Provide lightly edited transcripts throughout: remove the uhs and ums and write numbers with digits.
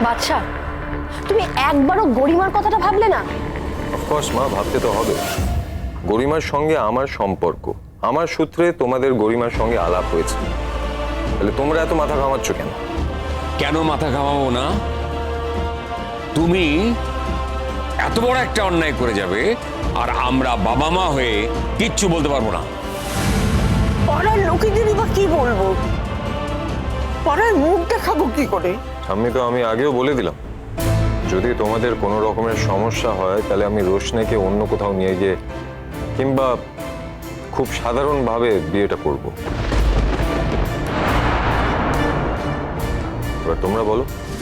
বাদশা, তুমি একবারও গরিমার কথাটা ভাবলে না? অফকোর্স মা, ভাবতে তো হবে। গরিমার সঙ্গে আমার সম্পর্ক, আমার সূত্রে তোমাদের গরিমার সঙ্গে আলাপ হয়েছে, তাহলে তোমরা এত মাথা ঘামাচ্ছ কেন? কেন মাথা ঘামাবো না? তুমি এত বড় একটা অন্যায় করে যাবে আর আমরা বাবা মা হয়ে কিচ্ছু বলতে পারবো না। পাড়ার লোকেদেরই বা কি বলবো? পাড়ার মুখ দেখাবো কি করে? ঠাম্মি, তো আমি আগেও বলে দিলাম, যদি তোমাদের কোনো রকমের সমস্যা হয় তাহলে আমি রোশনাকে অন্য কোথাও নিয়ে গিয়ে কিংবা খুব সাধারণভাবে বিয়েটা করব। এবার তোমরা বলো।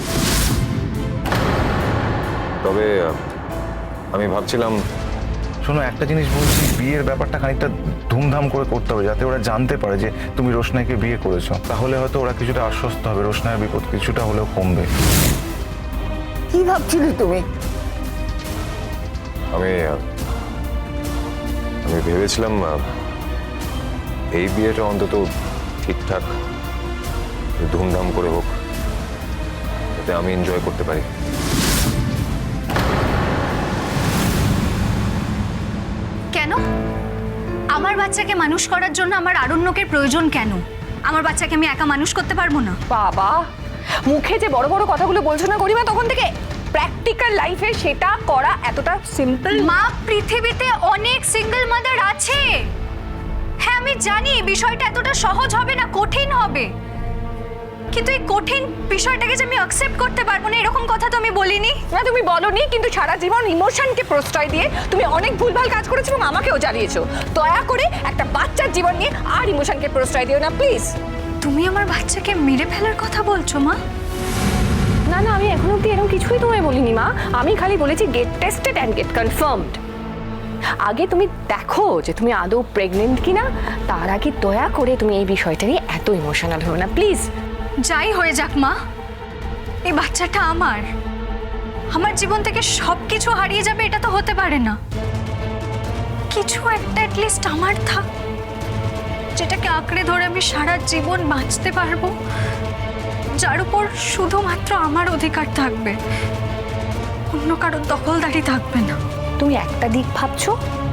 তবে আমি ভাবছিলাম, শোনো, একটা জিনিস বলছি, বিয়ের ব্যাপারটা খানিকটা ধুমধাম করে করতে হবে, যাতে ওরা জানতে পারে যে তুমি রোশনাইকে বিয়ে করেছো। তাহলে হয়তো ওরা কিছুটা আশ্বস্ত হবে, রোশনাইয়ের বিপদ কিছুটা হলেও কমবে। কি ভাবছিলে তুমি? আমি ভেবেছিলাম এই বিয়েটা অন্তত ঠিকঠাক ধুমধাম করে হোক, যাতে আমি এনজয় করতে পারি। কেন? আমার বাচ্চাকে মানুষ করার জন্য আমার আরণ্যকের প্রয়োজন কেন? আমার বাচ্চাকে আমি একা মানুষ করতে পারবো না? বাবা, মুখে যে বড় বড় কথাগুলো বলছো না গরিমা, তখন থেকে প্র্যাকটিক্যাল লাইফে সেটা করা এতটা সিম্পল? মা, পৃথিবীতে অনেক সিঙ্গেল মাদার আছে। হ্যাঁ, আমি জানি বিষয়টা এতটা সহজ হবে না, কঠিন হবে, কিন্তু এই কঠিন বিষয়টাকে যে আমি অ্যাকসেপ্ট করতে পারবো না এরকম কথা তো আমি বলিনি। না, তুমি বলনি, কিন্তু সারা জীবন ইমোশনকে প্রশ্রয় দিয়ে তুমি অনেক ভুলভাল কাজ করেছো এবং আমাকেও জ্বালিয়েছো। দয়া করে একটা বাচ্চার জীবন নিয়ে আর ইমোশনকে প্রশ্রয় দিও না প্লিজ। তুমি আমার বাচ্চাকে মেরে ফেলার কথা বলছো মা? না না, আমি এখন অব্দি এরকম কিছুই তোমায় বলিনি মা। আমি খালি বলেছি get tested and get confirmed. আগে তুমি দেখো যে তুমি আদৌ প্রেগনেন্ট কিনা, তার আগে দয়া করে তুমি এই বিষয়টা নিয়ে এত ইমোশনাল হও না প্লিজ। যাই হয়ে যাক মা, এই বাচ্চাটা আমার আমার জীবন থেকে সবকিছু হারিয়ে যাবে এটা তো হতে পারে না। কিছু একটা অ্যাটলিস্ট আমার থাক, যেটাকে আঁকড়ে ধরে আমি সারা জীবন বাঁচতে পারবো, যার উপর শুধুমাত্র আমার অধিকার থাকবে, অন্য কারোর দখলদারি থাকবে না। তুমি একটা দিক ভাবছো,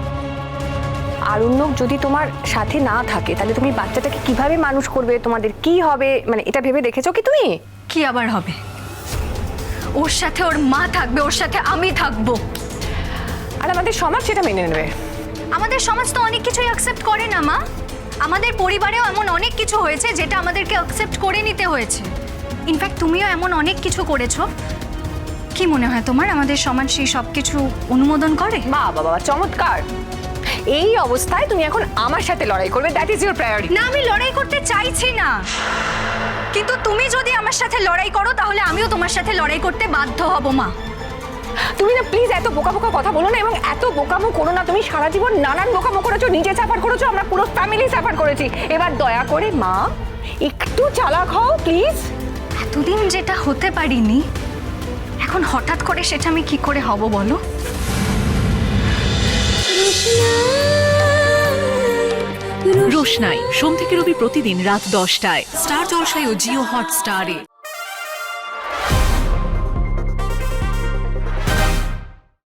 আরণ্যক যদি তোমার সাথে না থাকে তাহলে তুমি বাচ্চাটাকে কিভাবে মানুষ করবে, তোমাদের কি হবে, মানে এটা ভেবে দেখেছো কি তুমি? কি আবার হবে? ওর সাথে ওর মা থাকবে, ওর সাথে আমি থাকবো, আর আমাদের সমাজ সেটা মেনে নেবে। আমাদের সমাজ তো অনেক কিছুই অ্যাকসেপ্ট করে না মা। আমাদের পরিবারেও এমন অনেক কিছু হয়েছে যেটা আমাদেরকে অ্যাকসেপ্ট করে নিতে হয়েছে। ইনফ্যাক্ট তুমিও এমন অনেক কিছু করেছো। কি মনে হয় তোমার আমাদের সমাজ সেই সব কিছু অনুমোদন করে? বাহ বাবা, চমৎকার। এই অবস্থায় তুমি এখন আমার সাথে লড়াই করবে, দ্যাট ইজ ইউর প্রায়োরিটি। না, আমি লড়াই করতে চাইছি না, কিন্তু তুমি যদি আমার সাথে লড়াই করো তাহলে আমিও তোমার সাথে লড়াই করতে বাধ্য হব মা। তুমি না প্লিজ এত বোকা বোকা কথা বলো না, এবং এত বোকামো করো না। তুমি সারা জীবন নানান বোকামো করেছো, নিজে সাফার করেছো, আমরা পুরো ফ্যামিলি সাফার করেছি। এবার দয়া করে মা একটু চালাক হও প্লিজ। এতদিন যেটা হতে পারিনি, এখন হঠাৎ করে সেটা আমি কি করে হব বলো? রোশনাই সোম থেকে রবি প্রতিদিন রাত 10টায় স্টার জলসায় ও জিও হটস্টারে।